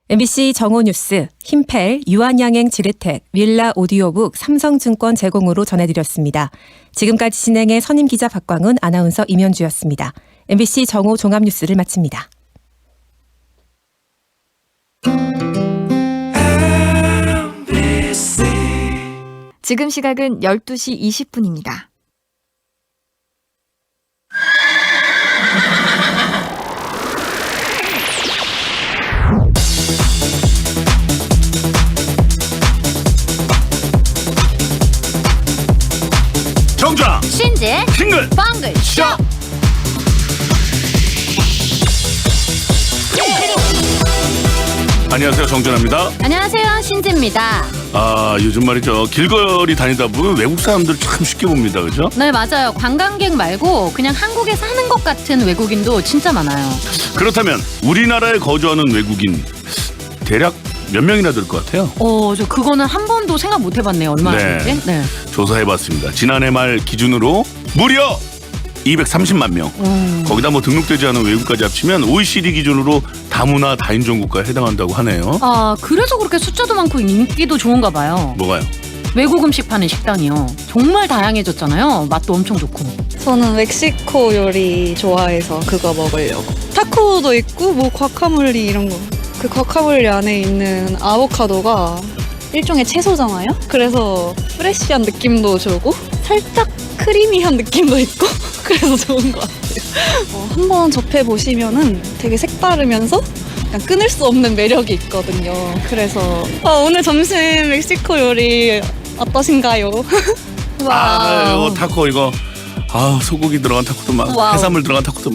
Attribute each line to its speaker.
Speaker 1: MBC 정오뉴스, 힘펠, 유한양행 지르텍, 윌라 오디오북, 삼성증권 제공으로 전해드렸습니다. 지금까지 진행의 선임 기자 박광은, 아나운서 임현주였습니다. MBC 정오 종합뉴스를 마칩니다.
Speaker 2: 지금 시각은 12시 20분입니다.
Speaker 3: 정장
Speaker 4: 신지
Speaker 3: 싱글
Speaker 4: 빵글 쇼.
Speaker 3: 안녕하세요, 정준하입니다.
Speaker 4: 안녕하세요, 신지입니다.
Speaker 3: 요즘 말이죠, 길거리 다니다 보면 외국 사람들 참 쉽게 봅니다, 그죠?
Speaker 4: 네, 맞아요. 관광객 말고 그냥 한국에 사는 것 같은 외국인도 진짜 많아요.
Speaker 3: 그렇다면 우리나라에 거주하는 외국인 대략 몇 명이나 될 것 같아요?
Speaker 4: 저 그거는 한 번도 생각 못 해봤네요. 얼마나 되는지. 네.
Speaker 3: 조사해봤습니다. 지난해 말 기준으로 무려 230만 명. 거기다 뭐 등록되지 않은 외국까지 합치면 OECD 기준으로 다문화 다인종 국가에 해당한다고 하네요.
Speaker 4: 그래서 그렇게 숫자도 많고 인기도 좋은가 봐요.
Speaker 3: 뭐가요?
Speaker 4: 외국 음식 파는 식당이요. 정말 다양해졌잖아요. 맛도 엄청 좋고.
Speaker 5: 저는 멕시코 요리 좋아해서 그거 먹으려고. 타코도 있고 뭐 과카몰리 이런 거. 그 과카몰리 안에 있는 아보카도가 일종의 채소잖아요. 그래서 프레쉬한 느낌도 주고 살짝 크리미한 느낌도 있고 그래서 좋은 것 같아요. 한번 접해보시면은 되게 색다르면서 약간 끊을 수 없는 매력이 있거든요. 그래서 오늘 점심 멕시코 요리 어떠신가요?
Speaker 3: 이거 타코 이거 소고기 들어간 타코도 많고
Speaker 4: 와우.
Speaker 3: 해산물 들어간 타코도